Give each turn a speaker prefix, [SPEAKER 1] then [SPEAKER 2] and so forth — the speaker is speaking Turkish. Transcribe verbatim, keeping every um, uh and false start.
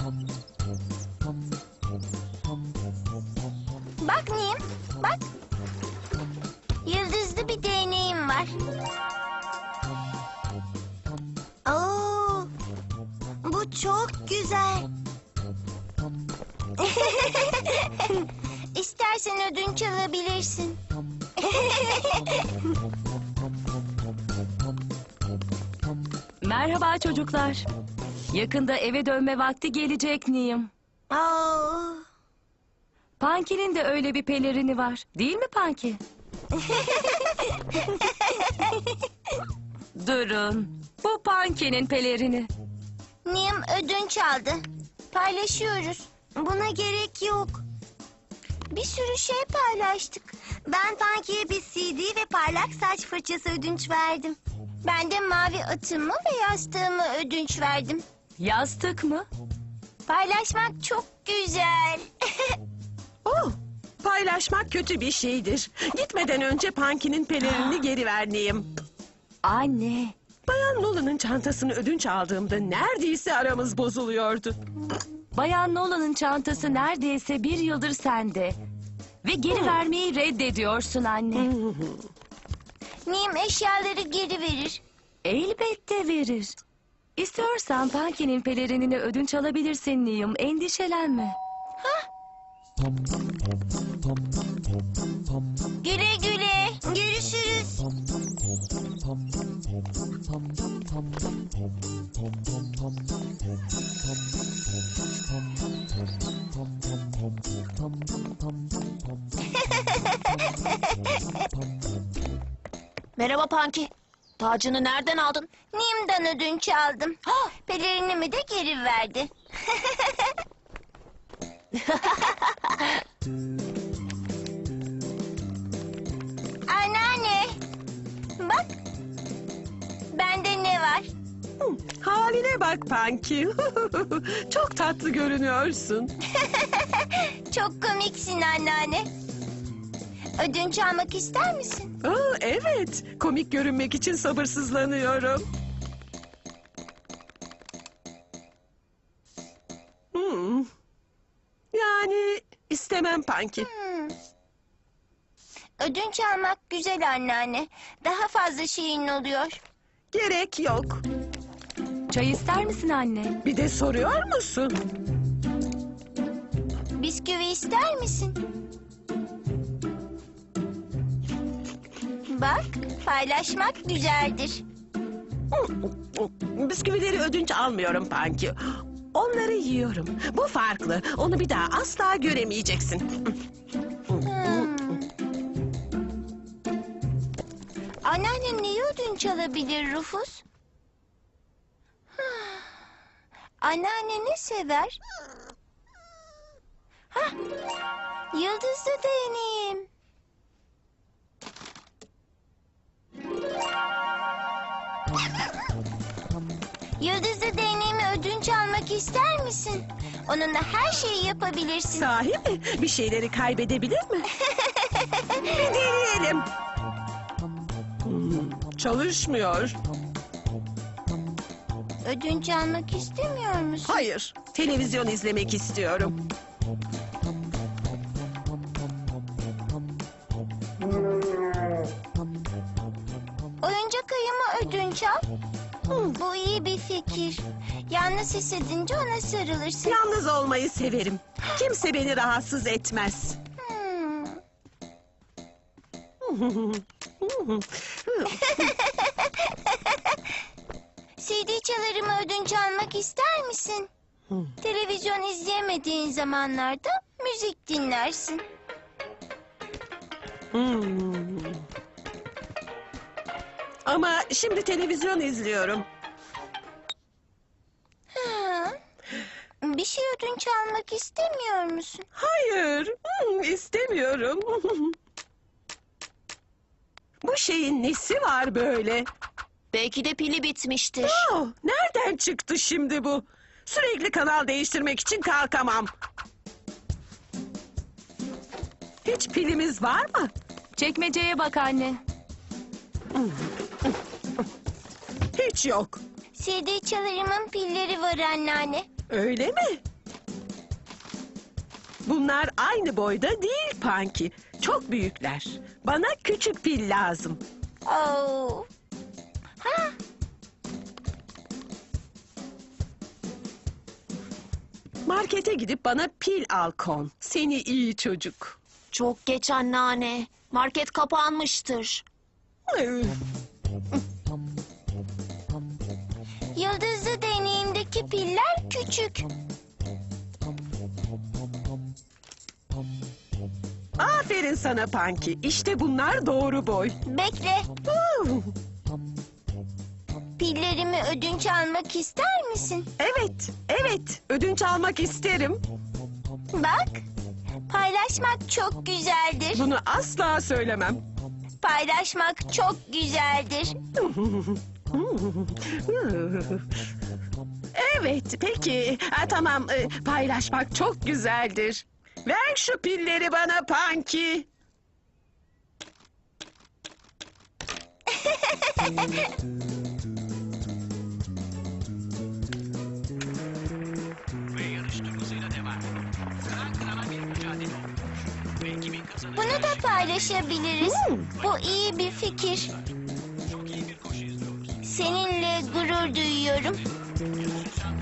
[SPEAKER 1] Bak Nim, bak. Yıldızlı bir değneğim var. Oo, bu çok güzel. İstersen ödünç alabilirsin.
[SPEAKER 2] Merhaba çocuklar. Yakında eve dönme vakti gelecek Niyim.
[SPEAKER 1] Oo.
[SPEAKER 2] Punky'nin de öyle bir pelerini var. Değil mi Punky? Durun. Bu Punky'nin pelerini.
[SPEAKER 1] Nim ödünç aldı. Paylaşıyoruz. Buna gerek yok. Bir sürü şey paylaştık. Ben Punky'ye bir C D ve parlak saç fırçası ödünç verdim. Ben de mavi atımı ve yastığımı ödünç verdim.
[SPEAKER 2] Yastık mı?
[SPEAKER 1] Paylaşmak çok güzel.
[SPEAKER 3] Oh, paylaşmak kötü bir şeydir. Gitmeden önce Punky'nin pelerinini geri vermeyeyim.
[SPEAKER 2] Anne.
[SPEAKER 3] Bayan Nolan'ın çantasını ödünç aldığımda neredeyse aramız bozuluyordu.
[SPEAKER 2] Bayan Nolan'ın çantası neredeyse bir yıldır sende. Ve geri vermeyi reddediyorsun anne.
[SPEAKER 1] Nim eşyaları geri verir.
[SPEAKER 2] Elbette verir. İstiyorsan Punky'nin pelerinini ödünç alabilirsin Niyim. Endişelenme.
[SPEAKER 1] Güle güle. Görüşürüz.
[SPEAKER 4] Merhaba Punky. Tacını nereden aldın?
[SPEAKER 1] Nim'den ödünç aldım. Pelerinimi de geri verdi. Anneanne. Bak. Bende ne var?
[SPEAKER 3] Haline bak Punky. Çok tatlı görünüyorsun.
[SPEAKER 1] Çok komiksin anneanne. Ödünç almak ister misin?
[SPEAKER 3] Aa, evet, komik görünmek için sabırsızlanıyorum. Hmm. Yani istemem Punky.
[SPEAKER 1] Hmm. Ödünç almak güzel anneanne. Daha fazla şeyin oluyor.
[SPEAKER 3] Gerek yok.
[SPEAKER 2] Çay ister misin anne?
[SPEAKER 3] Bir de soruyor musun?
[SPEAKER 1] Bisküvi ister misin? Bak, paylaşmak güzeldir.
[SPEAKER 3] Bisküvileri ödünç almıyorum Punky. Onları yiyorum. Bu farklı. Onu bir daha asla göremeyeceksin.
[SPEAKER 1] Hmm. Anneannem neyi ödünç alabilir Rufus? Anneanne ne sever? Hah, yıldızlı değneğim. Yıldızlı değneğimi ödünç almak ister misin? Onunla her şeyi yapabilirsin.
[SPEAKER 3] Sahi mi? Bir şeyleri kaybedebilir mi? Bir deneyelim. Hmm, çalışmıyor.
[SPEAKER 1] Ödünç almak istemiyor musun?
[SPEAKER 3] Hayır, televizyon izlemek istiyorum.
[SPEAKER 1] Oyuncak ayımı ödünç al. Bu iyi bir fikir. Yalnız hissedince ona sarılırsın.
[SPEAKER 3] Yalnız olmayı severim. Kimse beni rahatsız etmez.
[SPEAKER 1] Hmm. C D çalarımı ödünç almak ister misin? Televizyon izleyemediğin zamanlarda müzik dinlersin.
[SPEAKER 3] Hmm. Ama şimdi televizyon izliyorum.
[SPEAKER 1] Ha. Bir şey ödünç almak istemiyor musun?
[SPEAKER 3] Hayır, hmm, istemiyorum. Bu şeyin nesi var böyle?
[SPEAKER 4] Belki de pili bitmiştir.
[SPEAKER 3] Oh, nereden çıktı şimdi bu? Sürekli kanal değiştirmek için kalkamam. Hiç pilimiz var mı?
[SPEAKER 2] Çekmeceye bak anne.
[SPEAKER 3] Hiç yok.
[SPEAKER 1] C D çalarımın pilleri var anneanne.
[SPEAKER 3] Öyle mi? Bunlar aynı boyda değil Punky. Çok büyükler. Bana küçük pil lazım.
[SPEAKER 1] Oh. Ha,
[SPEAKER 3] Markete gidip bana pil al Kon. Seni iyi çocuk.
[SPEAKER 4] Çok geç anneanne. Market kapanmıştır.
[SPEAKER 1] yıldızlı deneyimdeki piller küçük.
[SPEAKER 3] Aferin sana Punky. İşte bunlar doğru boy.
[SPEAKER 1] Bekle.
[SPEAKER 3] Huu.
[SPEAKER 1] Pillerimi ödünç almak ister misin?
[SPEAKER 3] Evet, evet. Ödünç almak isterim.
[SPEAKER 1] Bak. Paylaşmak çok güzeldir.
[SPEAKER 3] Bunu asla söylemem.
[SPEAKER 1] Paylaşmak çok güzeldir.
[SPEAKER 3] Evet, peki. Ha, tamam, e, paylaşmak çok güzeldir. Ver şu pilleri bana Punky.
[SPEAKER 1] Bunu da paylaşabiliriz. Bu iyi bir fikir. Seninle gurur duyuyorum.